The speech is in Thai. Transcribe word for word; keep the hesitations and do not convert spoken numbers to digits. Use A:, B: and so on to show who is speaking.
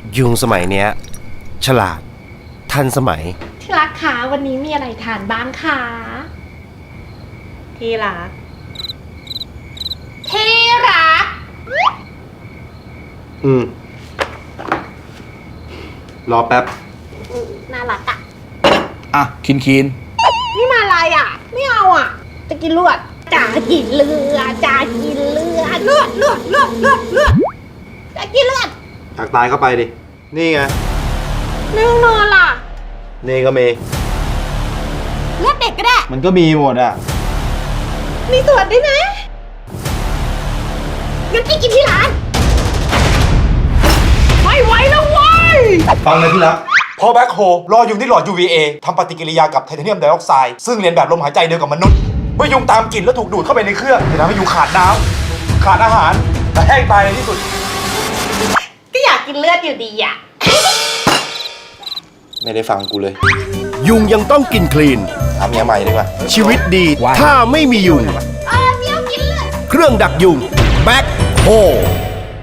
A: ยุงสมัยเนี้ยฉลาดทันสมัย
B: ที่รักคะวันนี้มีอะไรทานบ้างคะ
C: ที่รัก
B: ที่รัก
A: อืม รอแป๊บ
B: อืมน่ารักอะ
D: อ่ะคินคิน
B: นี่มาอะไรอะไม่เอาอะจะกินเลือดจะกินเลือดจะกินเลือดเลือดเลือดเลือดเลือดเลือดจะกินเลือด
A: อยากตายก็ไปดิ นี่ไง
B: ในห้องนอนล่ะ
A: นี่ก็มี
B: เลือดเด็กก็ได้
A: มันก็มีหมดอ่ะ
B: มีตรวจด้วยนะงั้นพี่กินที่ร้านไม่ไหวแล้วเว้ย
A: ฟังเลยที่รัก
E: พอแบ็คโฮรอยุงที่หลอด ยู วี เอ ทำปฏิกิริยากับไทเทเนียมไดออกไซด์ซึ่งเรียนแบบลมหายใจเดียวกับมนุษย์ เมื่อยุงตามกลิ่นแล้วถูกดูดเข้าไปในเครื่องจะทำให้ยุงขาดน้ำขาดอาหารและแห้งตายในที่สุด
B: ก็อยากกินเลือดอยู่ดีอะ
E: ไม่ได้ฟังกูเลย
A: ยุงยังต้องกินคลีน
E: ทำเมียใหม่ดีกว่า
A: ชีวิตดีถ้าไม่มียุง
B: เออเมียวกินเลือด
A: เครื่องดักยุงแบ็คโฮ